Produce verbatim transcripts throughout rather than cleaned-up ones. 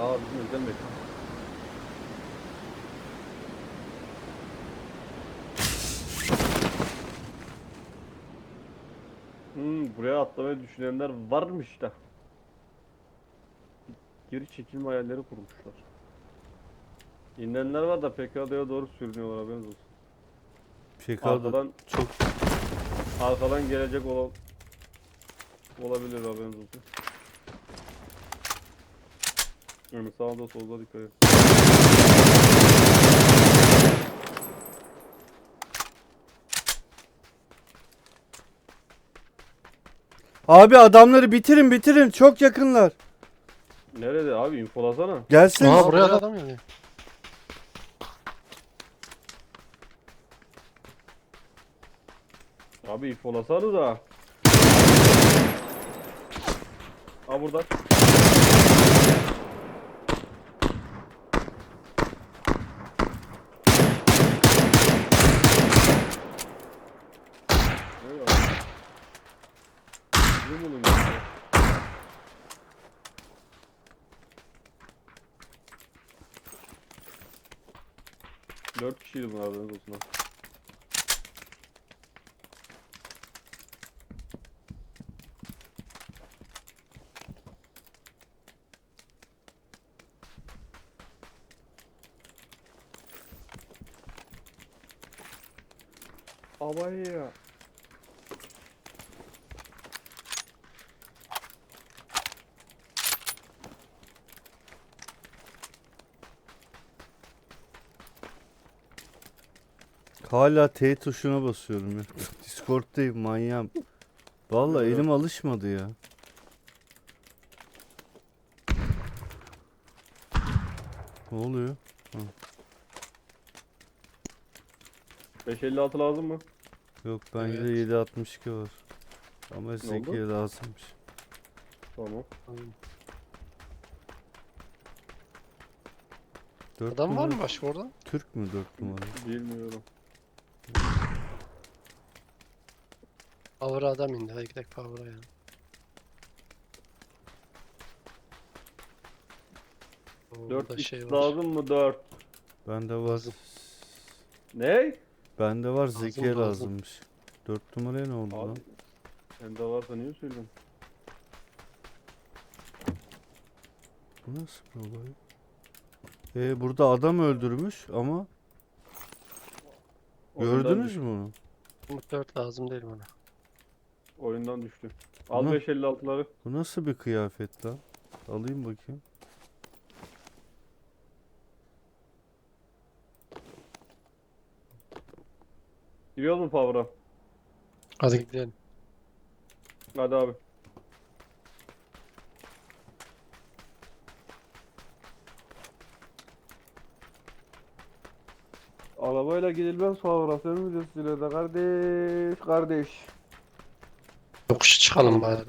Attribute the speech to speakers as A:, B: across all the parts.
A: Aa bizim özel mekan. Hmm, buraya atlamayı düşünenler varmış da. Geri çekilme hayalleri kurmuşlar. İnenler var da P K D'ye doğru sürünüyorlar, haberiniz olsun.
B: P K D'da
A: Arkadan
B: çok
A: arkadan gelecek olan olabilir, haberiniz olsun. Yani sağda solda dikkat et.
B: Abi adamları bitirin bitirin, çok yakınlar.
A: Nerede abi, infolasana.
B: Gelsin.
C: Aa buraya da adam geliyor.
A: Abi infolasana da. Aa burada. Ne var? Bizim oğlum ya. Dört kişiydi bunlar, haberiniz olsun ha. Ama ya.
B: Hala T tuşuna basıyorum ya. Discord'dayım manyağım. Vallahi
A: Evet.
B: elim alışmadı ya. Ne oluyor?
A: beş elli altı lazım mı?
B: Yok bende
C: Evet.
B: yedi altmış iki var. Ama Zeki'ye
A: oldu?
B: lazımmış.
A: Tamam.
B: Dört
C: Adam var
B: numara-
C: mı başka orada?
B: Türk mü dört numara?
A: Bilmiyorum.
C: Power'a adam indi. Hadi gidelim Power'a ya. Oo,
A: dört
C: burada
A: x
C: şey var.
A: lazım mı? dört.
B: Bende var.
C: Lazım.
A: Ne?
B: Bende var,
C: Lazım,
B: Zeki'ye
C: lazım.
B: lazımmış. Dört numaraya ne oldu lan?
A: Abi sende varsa niye söylüyorsun?
B: Bu nasıl bir olay? Ee, burada adam öldürmüş ama
A: Oyundan
B: gördünüz
A: düştü.
B: mü onu?
C: Bu dört lazım değil bana.
A: Oyundan düştü.
B: Bu,
A: Al
B: na-
A: beş elli altıları.
B: bu nasıl bir kıyafet lan? Alayım bakayım.
A: Giriyor mu Power'a?
C: Hadi gidelim.
A: Hadi abi. Arabayla gidilmez Power'a. Sen mi diyorsun de kardeş kardeş.
C: Yokuşa çıkalım bari.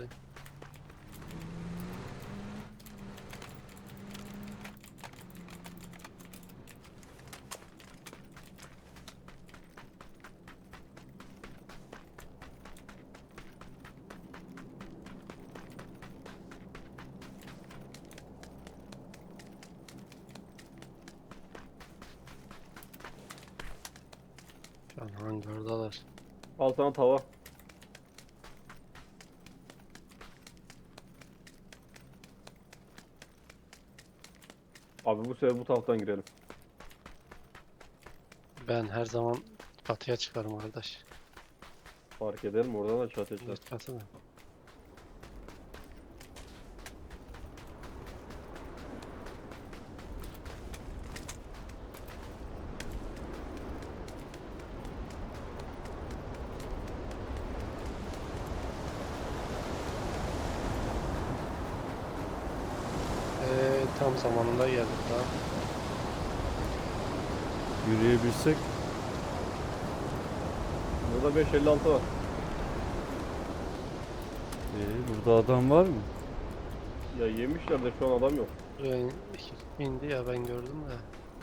C: Şu an hangardalar.
A: Al sana tava. Abi bu sefer bu taraftan girelim.
C: Ben her zaman çatıya çıkarım kardeş.
A: Fark eder mi? Oradan da çatıya çıkar.
C: Evet, çatıda. Ee, tam zamanında geldik daha.
B: Yürüyebilsek.
A: Burada beş elli altı var.
B: Ee, burada adam var mı?
A: Ya yemişler de şu an adam yok.
C: Buraya in- indi ya ben gördüm de.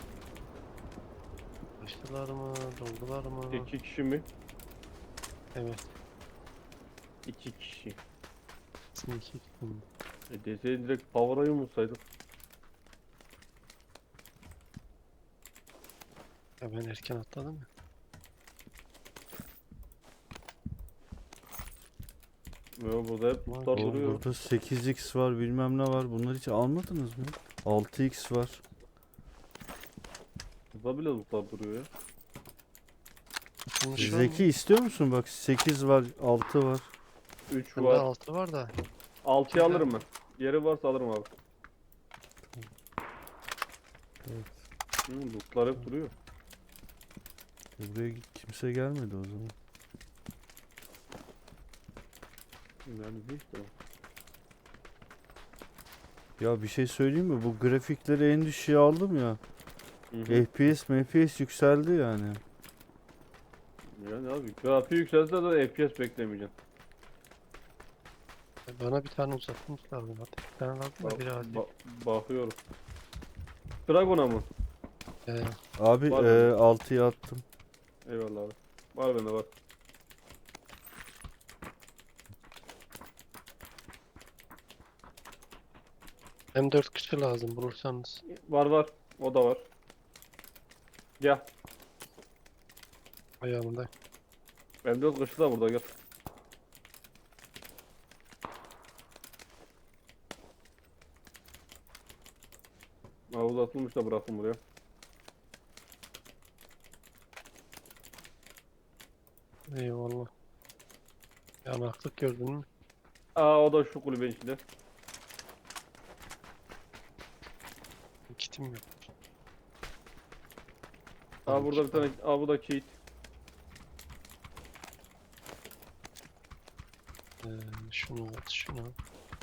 C: Açtılar mı? Doldular mı?
A: İki kişi mi?
C: Evet.
A: İki kişi.
C: Kesin iki indi.
A: E deseydin direkt Power'a yumulsaydık.
C: Ya ben erken atladım ya.
A: Yo, burada hep
C: Vay
A: tutar
C: be.
B: Oğlum
A: duruyor.
B: burada sekiz x var bilmem ne var. Bunları hiç almadınız mı? altı x var.
A: Burada bile tutar duruyor ya.
C: Atılmış var mı?
B: Zeki istiyor musun? Bak sekiz var, altı var.
A: üç
C: Bende
A: var.
C: altı var da.
A: altıyı alırım ben. Yeri varsa alırım abi.
B: Evet.
A: Hı, lootlar hep duruyor.
B: E buraya kimse gelmedi o zaman.
A: Yani bir işte o.
B: Ya bir şey söyleyeyim mi? Bu grafikleri en düşüğe aldım ya.
A: Hı hı.
B: F P S, M P S yükseldi yani.
A: Yani abi grafiği yükselse de F P S beklemeyeceğim.
C: Bana bir tane uzatmış lazım. Hadi bir tane lazım da
A: Bak,
C: biri hadi.
A: ba- bakıyorum. Dragon'a mı?
C: Ee,
B: Abi
A: Var
B: e,
A: mı?
B: altıya attım.
A: Eyvallah abi. Var bende var.
C: hem dört kişi lazım bulursanız.
A: Var var. O da var. Gel.
C: Ayağımda.
A: M dört kışı da burada gel. Havuz atılmış da bıraktım buraya.
C: Eyvallah. Yanaklık gördün mü?
A: Aa, o da şu kulübenin içinde.
C: Kitim yok.
A: Aa,
C: Tamam,
A: burada bir
C: kit
A: tane.
C: var.
A: Aa, bu da kit.
C: Ee, şunu at şunu. at.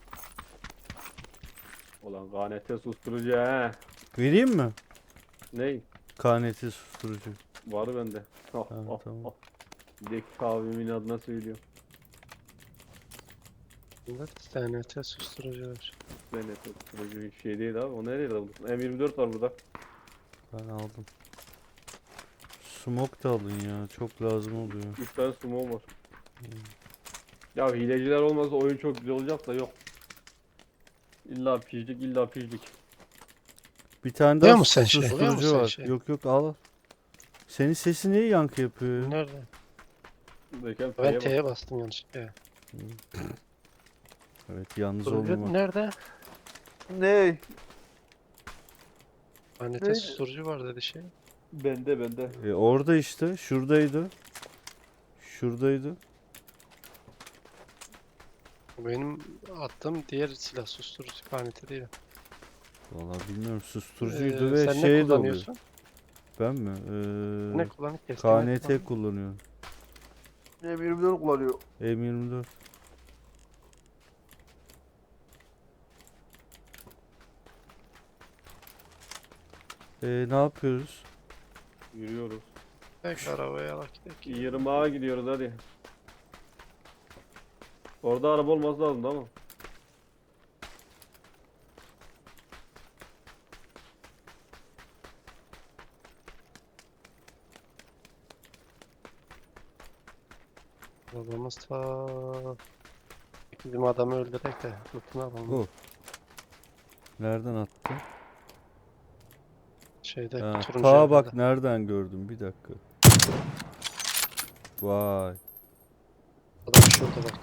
A: Ulan K N T susturucu he.
B: Vereyim mi?
A: Ney?
B: K N T susturucu.
A: Var bende. Ah,
B: Ha,
A: ah,
B: tamam.
A: ah. Dek kahvemin adına söylüyor.
C: Bunda T N T susturucu var.
A: K N T susturucu hiç şey değil abi. O nereye buldun? M yirmi dört var burada.
B: Ben aldım. Smoke da alın ya. Çok lazım oluyor.
A: üç tane sumo var.
B: Hmm.
A: Ya hileciler olmasa oyun çok güzel olacak da yok. İlla pijlik illa pijlik.
B: Bir tane
C: Alıyor
B: daha
C: musun sen şey? Alıyor
B: susturucu
C: musun sen
B: var.
C: şey?
B: Yok yok al. al. Senin sesi niye yankı yapıyor ya?
C: Nerede?
A: Buradayken
C: Ben
A: T'ye bak.
C: T'ye bastım yanlışlıkla.
B: Evet yalnız
C: Susturucu
B: olmamak.
C: nerede?
A: Ne?
C: T N T
A: Neydi?
C: susturucu var dedi şey.
A: Bende bende.
B: E, orada işte. Şuradaydı. Şuradaydı.
C: Benim attığım diğer silah susturucu T N T değil.
B: Vallahi bilmiyorum. Susturucuydu
C: Ee,
B: ve
C: sen
B: şey
C: ne
B: de oluyor.
C: kullanıyorsun?
B: Ben mi?
C: Ne
B: Ee,
C: kullanıp keskin
B: K
C: ne
B: N T
C: kullanıyorsun?
B: kullanıyorum.
A: M yirmi dört kullanıyor.
B: M yirmi dört. Ee, ne yapıyoruz?
A: Yürüyoruz.
C: Tek arabaya bak gidelim.
A: yirmi A'ya gidiyoruz hadi. Orada araba olması lazım ama.
C: Arabamız ta bizim adamı öldürerek de lootunu alalım.
B: Oh. Nereden attı?
C: Şeyde
B: Ha,
C: turuncu
B: ta bak
C: evlerde.
B: nereden gördüm bir dakika. Vay.
C: Adam şurada bak.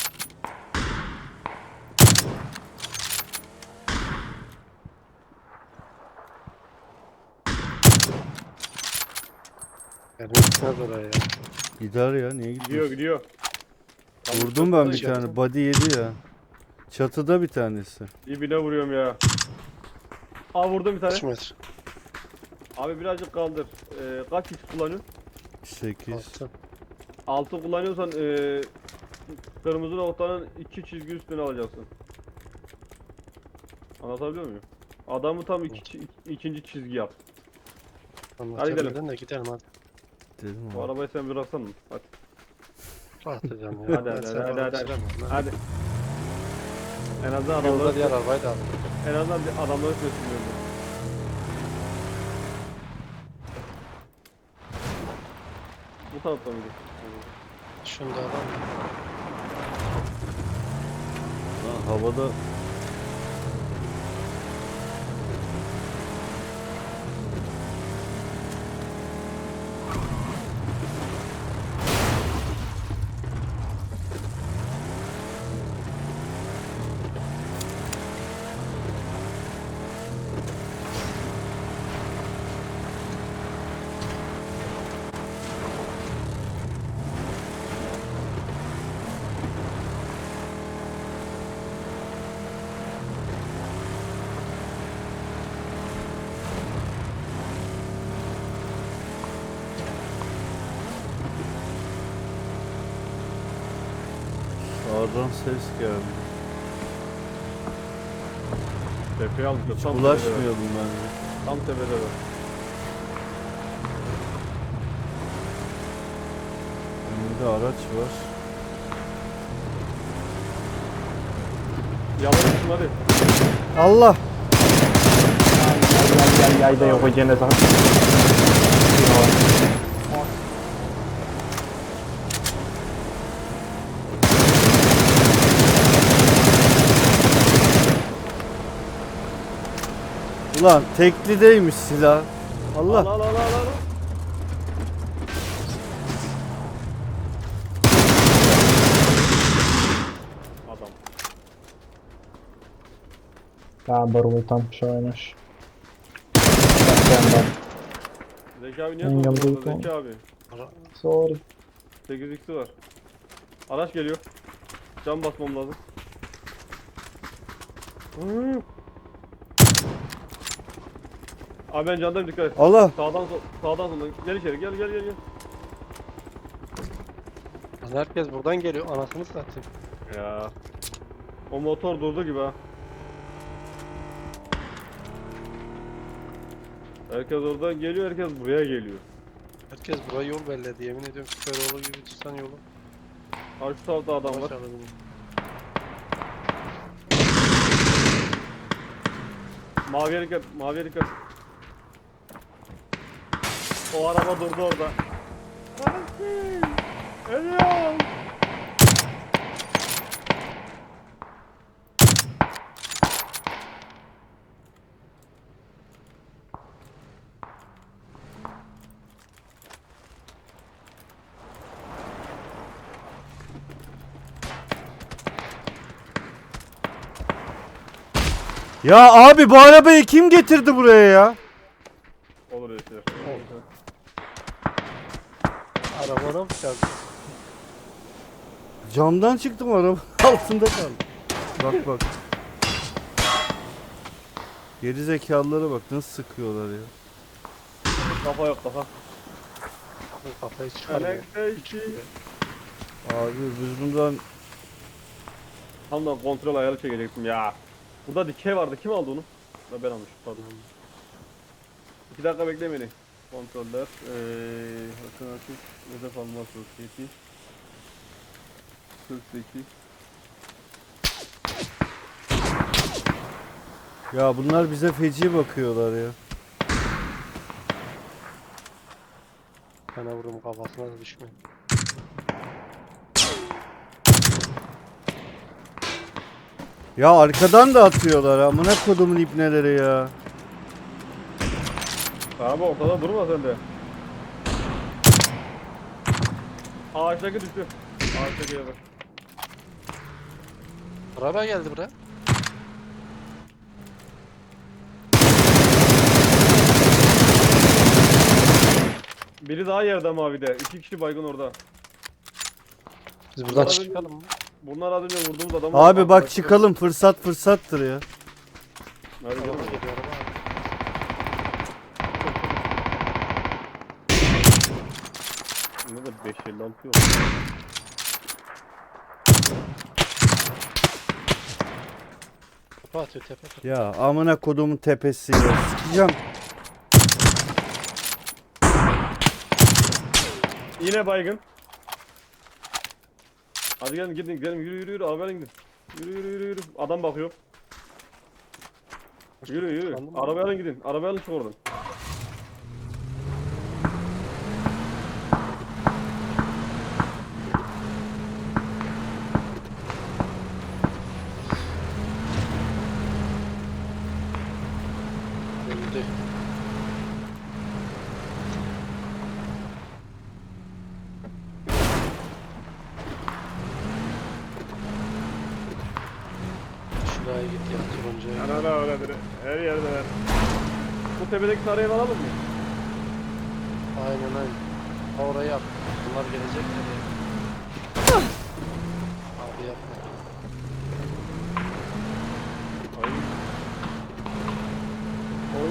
C: Yani gitmez oraya ya.
B: Gider ya niye
A: Gidiyor
B: gidiyor?
A: gidiyor. Tam
B: Vurdum ben bir
C: çatıda.
B: tane. Body yedi ya. Çatıda bir tanesi.
A: Dibine vuruyorum ya. Aa, vurdum bir tane.
C: Kaç metre?
A: Abi birazcık kaldır. Ee, kaç kişi kullanıyorsun?
B: sekiz.
C: Altı.
A: altı kullanıyorsan ee, kırmızı noktanın iki çizgi üstüne alacaksın. Anlatabiliyor muyum? Adamı tam iki, çi- ikinci çizgi yap.
C: Anlatabildim de gidelim hadi.
B: Dedim
A: Bu
B: ama.
A: arabayı sen bıraksan mı? Hadi.
C: Rahat edeceğim ya.
A: Hadi,
C: Ben
A: hadi,
C: seni
A: hadi,
C: orada
A: hadi,
C: bitiremem lan.
A: Hadi. En azından
C: Yolda
A: adamları,
C: diğer arabayı da al.
A: en azından bir adamları sesliyordu. Bu tarafta mıydı?
C: Şunda adam var.
B: Lan havada Sağdan ses geldi.
A: Tepeye aldık.
B: Hiç
A: Tam tepede.
B: bulaşmayalım bence.
A: Tam tepede var.
B: Önünde araç var.
A: Yavaşsın hadi.
B: Allah!
D: Yay yay yay da yok o gene zaten.
B: Ulan teklideymiş silah. Allah!
A: Al al al al al. Adam.
D: Ya Barul'u tam şey oynamış. Bak
A: Zeki abi niye
D: Ben
A: sordun
D: yandım.
A: orada Zeki abi?
D: sorry.
A: sekiz x'i var. Araç geliyor. Cam basmam lazım. Hı. Abi ben candayım, dikkat et.
B: Allah!
A: Sağdan sol, sağdan soldan. Gel içeri, gel gel gel gel.
C: Lan herkes buradan geliyor. Anasını satayım.
A: Ya. O motor durdu gibi ha. Herkes oradan geliyor, herkes buraya geliyor.
C: Herkes buraya yol belledi. Yemin ediyorum Süperoğlu gibi tutsan yolu.
A: Ha şu tarafta adam var.
C: Yavaş alalım.
A: Maviye dikkat, maviye dikkat. O araba durdu orada. Ölüyorum.
B: Ya abi bu arabayı kim getirdi buraya ya?
A: Olur öyle şeyler.
C: Arabana mı çarptı?
B: Camdan çıktım araba altında kaldım. Bak bak. Geri zekalılara bak nasıl sıkıyorlar ya.
A: Kafa yok kafa.
C: Kafayı çıkarmıyor.
B: Abi biz bundan
A: Tam da kontrol ayarı çekecektim ya. Burada dikey vardı. Kim aldı onu? Ha, ben almışım pardon. İki dakika bekle beni. Kontroller. Eee... Hakan Akif. Hedef alma sosyeti. kırk sekiz.
B: ya bunlar bize feci bakıyorlar ya.
C: Bana vururum kafasına da düşmeyin.
B: Ya arkadan da atıyorlar amına kodumun ibneleri ya.
A: Abi ortada durma sen de. Ağaçtaki düştü. Ağaçtaki yere.
C: Araba geldi buraya.
A: Biri daha yerde mavide. İki kişi baygın orada.
C: Biz buradan
A: Araba-
C: çıkalım mı?
A: Bunlar az önce vurduğumuz adamı...
B: Abi bak çıkalım fırsat fırsattır ya.
A: Hadi
C: Araba
A: canım.
C: geliyor araba.
A: Ne de beş elli altı yok.
C: Tepe atıyor tepe atıyor.
B: Ya amına kodumun tepesi ya. Sikeceğim.
A: Yine baygın. Hadi gelin gidin gidelim, yürü yürü yürü, arabayla gidin. Yürü yürü yürü yürü. Adam bakıyor. Yürü yürü.
C: Tıkandı mı?
A: Arabayla gidin. Arabayla çık oradan.
C: Öldü. Şuraya git ya turuncuya.
A: Ana ana öyledir. Her yerde ver. Bu tepedeki sarayı alalım mı?
C: Aynen aynen. Orayı yap. Bunlar gelecekler ya. Abi yapma.
A: Ay. Oy.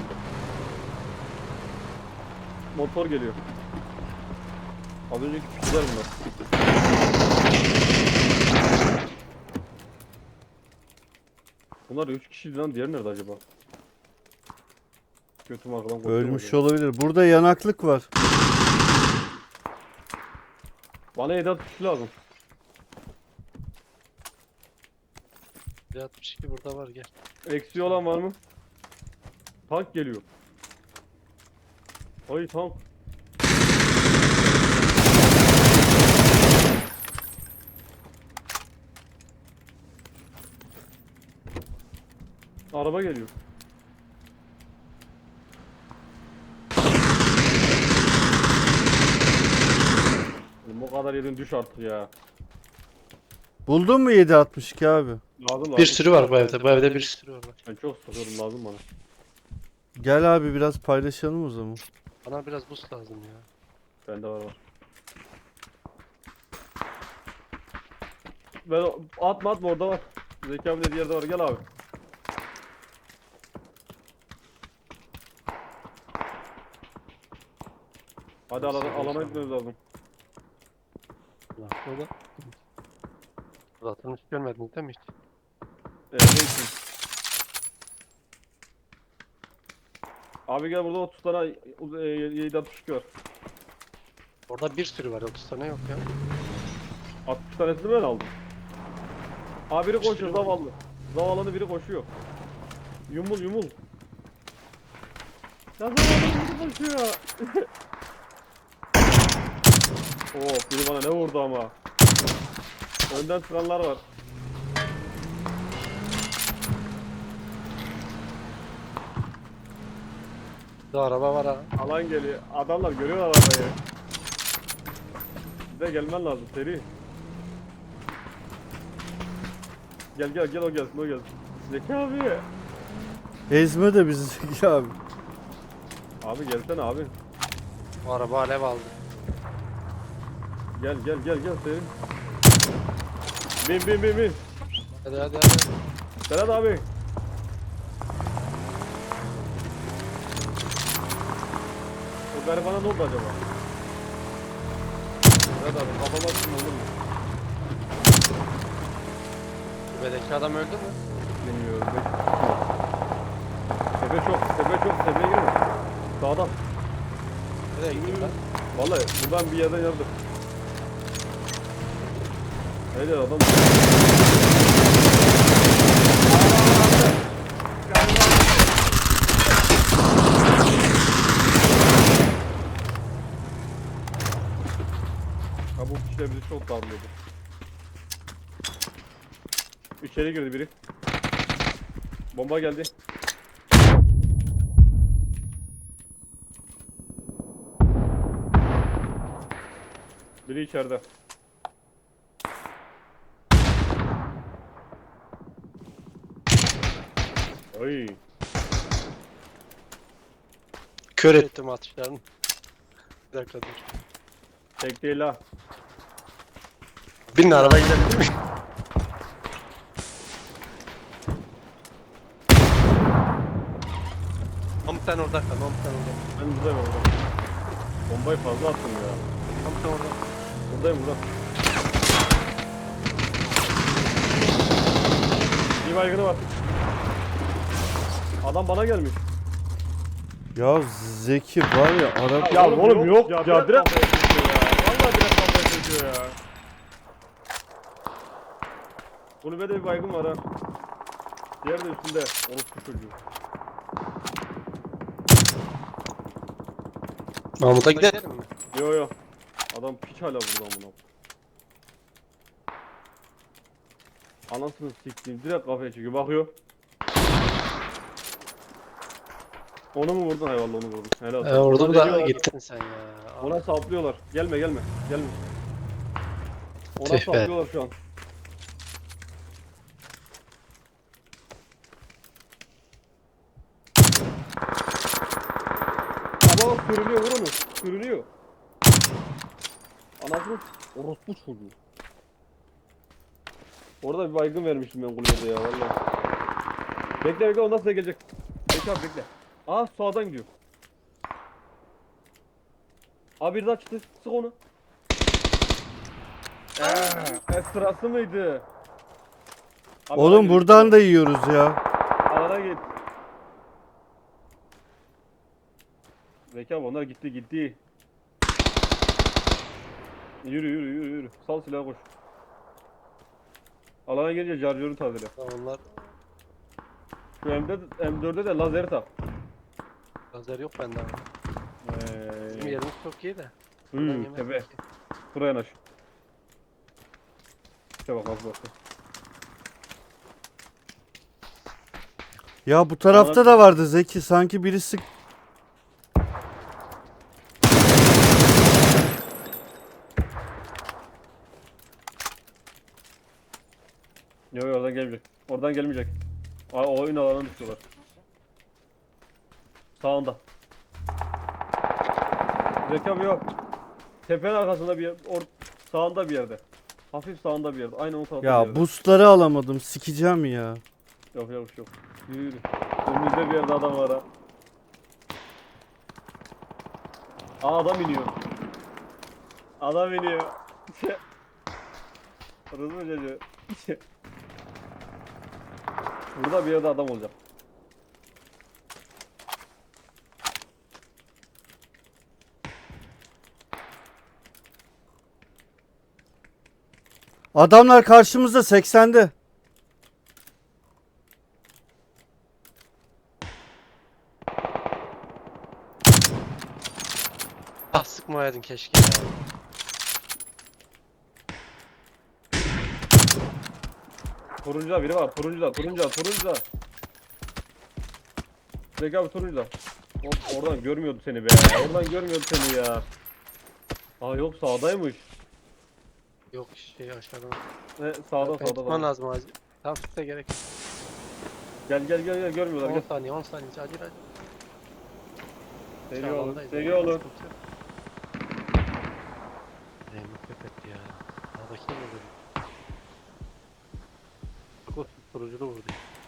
A: Motor geliyor. Az önceki piçler bunlar. Bunlar üç kişiydi lan, diğeri nerede acaba? Götüm arkadan koşuyor
B: Ölmüş
A: oraya.
B: olabilir. Burada yanaklık var.
A: Bana Edat kişi lazım.
C: Bir altmış iki burada var gel.
A: Eksiği olan var mı? Tank geliyor. Ay tank. Araba geliyor. Oğlum bu kadar yedin, düş artık ya.
B: Buldun mu yedi altmış iki abi?
A: Lazım lazım.
C: Bir sürü var bu evde. Bu evde bir sürü var. Bak.
A: Ben çok sıkıyorum, lazım bana.
B: Gel abi biraz paylaşalım o zaman.
C: Bana biraz boost lazım ya.
A: Bende var var. Ben atma atma, orada var. Zeki abi dediği yerde var, gel abi. Hadi alana, alana gitmemiz lazım.
C: Bak burada. Zaten hiç görmedin değil mi hiç?
A: Ee, ne için? Abi gel, burada otuz tane e, yedi altmış iki var.
C: Orada bir sürü var. otuz tane yok ya.
A: altmış tanesini ben aldım. Abi biri koşuyor, zavallı. Zavallının biri koşuyor. Yumul yumul. Ya zavallının biri koşuyor. Oo, biri bana ne vurdu ama. Önden sıranlar var.
C: Bir araba var ha.
A: Alan geliyor. Adamlar görüyor arabayı. Bize gelmen lazım seri. Gel gel gel, o gelsin o gelsin. Zeki abi.
B: Ezme de bizi Zeki abi.
A: Abi gelsene abi.
C: Bu araba alev aldı.
A: Gel gel gel gel seri. Bin bin bin bin.
C: Hadi hadi hadi.
A: Serhat abi. O garibana ne oldu acaba? Serhat abi kafama sıkma olur mu?
C: Kulübedeki adam öldü mü?
A: Bilmiyorum. Tepe çok, tepe çok, tepeye girme. Sağdan.
C: Nereye gittin lan?
A: Vallahi buradan bir yerden yardım. Haydi adam. Ha, bu kişiler bizi çok darlıyordu. İçeri girdi biri. Bomba geldi. Biri içeride. Ay.
C: Kör ettim atışlarını. Bir dakika dur.
A: Tek değil ha.
C: Binin araba gidelim değil mi? Tam sen orada kal, tam sen orada.
A: Ben buradayım orada. Bombayı fazla attım ya.
C: Tam sen orada.
A: Buradayım burada. Bir baygını var. Adam bana gelmiş.
B: Ya Zeki var ya Arap.
A: Ya oğlum yok ya, ya direkt kafaya çekiyor ya. Vallahi direkt kafaya çekiyor ya. Kulübede bir baygın var ha. Diğeri de üstünde. Orospu çocuğu.
C: Mahmut'a gidelim mi?
A: Yo yo. Adam piç hala burada bunu. Anasını siktiğim, direkt kafaya çekiyor, bakıyor. Onu mu vurdun? Hayvallah onu vurdun. Helal olsun.
C: Ee, orada
A: Ona
C: da
A: deniyorlar,
C: gittin sen ya.
A: Ona saplıyorlar. Gelme gelme. Gelme. Ona
C: Tüh be.
A: saplıyorlar şu an. Ama bak sürünüyor, vur onu. Sürünüyor. Anasını orospu çocuğu. Orada bir baygın vermiştim ben kulübede ya vallahi. Bekle bekle, ondan sonra gelecek. Bekle abi bekle. Aa, sağdan gidiyor. Abi bir daha çıktı. Sık onu. Eee, e, sırası mıydı? Abi
B: Oğlum
A: alana
B: buradan
A: git.
B: da yiyoruz ya.
A: Alana git. Zeki abi onlar gitti gitti. Yürü yürü yürü yürü. Sal silahı koş. Alana gelince charger'ı tazele.
C: Ha, onlar
A: Şu M dörtte, M dörtte de lazer tak.
C: lazer yok bende abi. Bizim
A: Eee.
C: yerimiz çok iyi de. Buradan
A: Hıı
C: yemek
A: tepe.
C: yok ki.
A: Buraya yanaş. İşte bak nasıl bakıyor.
B: Ya bu tarafta da vardı Zeki. Sanki birisi
A: Yok yok oradan gelmeyecek. Oradan gelmeyecek. Aa, o oyun alanına düşüyorlar. Sağında. Zeki abi yok. Tepenin arkasında bir yer. Or sağında bir yerde. Hafif sağında bir yerde. Aynen o tarafta bir
B: ya
A: yerde.
B: boostları alamadım. Sikeceğim ya.
A: Yok yok yok. Yürü yürü. Önümüzde bir yerde adam var ha. Aa adam iniyor. Adam iniyor. Rızı mı çocuğu? Burada bir yerde adam olacak.
B: Adamlar karşımızda seksende.
C: Ah sıkmayaydın keşke ya.
A: Turuncuda biri var. Turuncuda, turuncuda, turuncuda. Zeki abi turuncuda. Hop, oradan görmüyordu seni be. Oradan görmüyordu seni ya. Aa yok sağdaymış.
C: Yok şey aşağıdan.
A: Ne sağda
C: Ben
A: sağda.
C: tutman
A: sağda.
C: lazım acil. Tamam tut da gerek yok.
A: Gel gel gel gel görmüyorlar
C: on
A: gel.
C: saniye on saniye acil acil.
A: Seri
C: Şu
A: olun.
C: alandayız,
A: Seri
C: yani,
A: olun.
C: sıkıntı yok. Neyim köpekti ya. Sağdaki mi vurdu? Çok turuculu vurdu.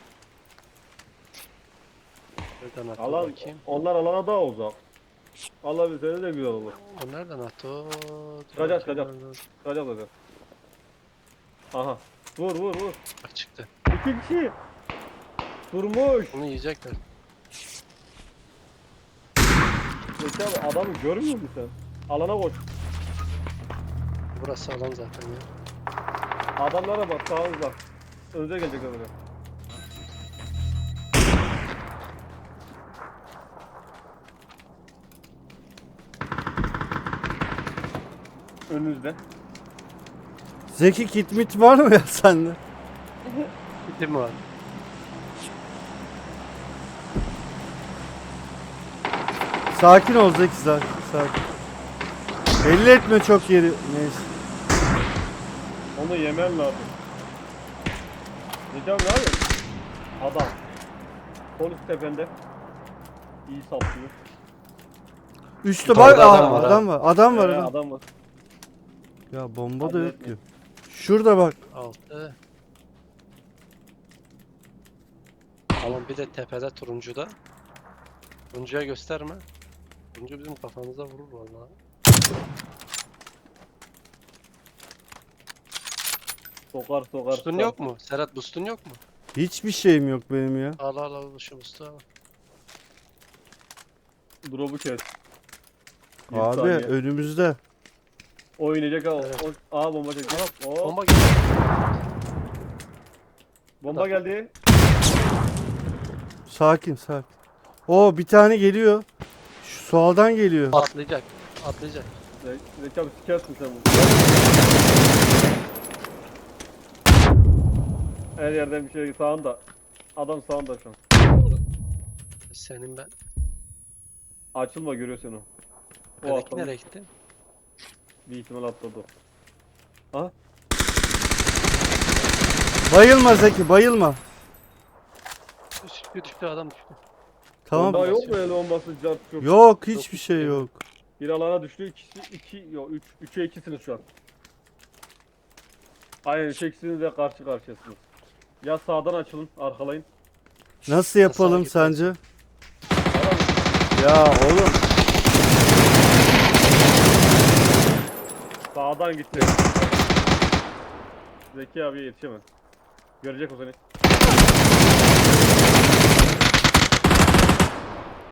C: Nereden attı
A: Alan,
C: bakayım?
A: onlar alana daha uzak. Allah bilseniz de güzel olur.
C: O nereden attı o? Dur
A: Çıkacak,
C: bakayım
A: çıkacak.
C: nereden-
A: Çıkacak zaten. Aha. Vur vur vur.
C: Bak çıktı.
A: İki kişi. Durmuş.
C: Bunu yiyecekler.
A: Zeki abi adamı görmüyor musun sen? Alana koş.
C: Burası alan zaten ya.
A: Adamlara bak sağınızda. Önce gelecekler böyle. Önünüzde.
B: Zeki kit mit var mı ya sende?
C: Bitti mi var?
B: Sakin ol Zeki sakin. sakin. Belli etme çok yeri. Neyse.
A: Onu yemen lazım. Zeki abi ne yapıyorsun? Adam. Polis tepende. İyi saplıyor.
B: Üstte
C: Yukarıda
B: bak
C: adam
B: adam,
C: var ha.
B: adam var. Adam var
A: Ee,
B: adam.
A: adam var.
B: Ya bomba da
A: Acele
B: yok
A: etmeyin.
B: ki. Şurada bak.
C: Altı. Alan bir de tepede turuncuda. Turuncuya gösterme. Turuncu bizim kafamıza vurur vallahi.
A: Sokar sokar.
C: Boostun
A: sokar.
C: yok mu? Serhat boostun yok mu?
B: Hiçbir şeyim yok benim ya.
C: Al al al şu boost'u al.
A: Drop'u kes. Bir
B: Abi
A: saniye.
B: önümüzde.
A: Oynayacak ha.
C: Evet.
A: O- Aa bomba çekti. Oo, bomba,
C: Bomba geldi.
A: geldi.
B: Sakin sakin. O bir tane geliyor. Şu soldan geliyor.
C: Atlayacak. Atlayacak.
A: Ze- Zeki abi sikersin sen bunu. Her yerden bir şey sağında. Adam sağında şu an.
C: Senin ben.
A: Açılma görüyor seni o. O
C: Öteki
A: atladı.
C: nereye gitti?
A: Bir ihtimal atladı o. Ha?
B: Bayılma Zeki bayılma.
C: Düştü düştü adam düştü.
B: Tamam.
A: Bomba yok mu öyle bombası cart çok.
B: Yok hiçbir şey yok.
A: Bir alana düştü. İkisi iki yok üç üçe ikisiniz şu an. Aynen üç ikisiniz de karşı karşıyasınız. Ya sağdan açılın arkalayın.
B: Nasıl yapalım
C: gitmez.
B: sence?
A: Adam
B: Ya oğlum.
A: sağdan gitti. Zeki abiye yetişemez. Görecek o seni.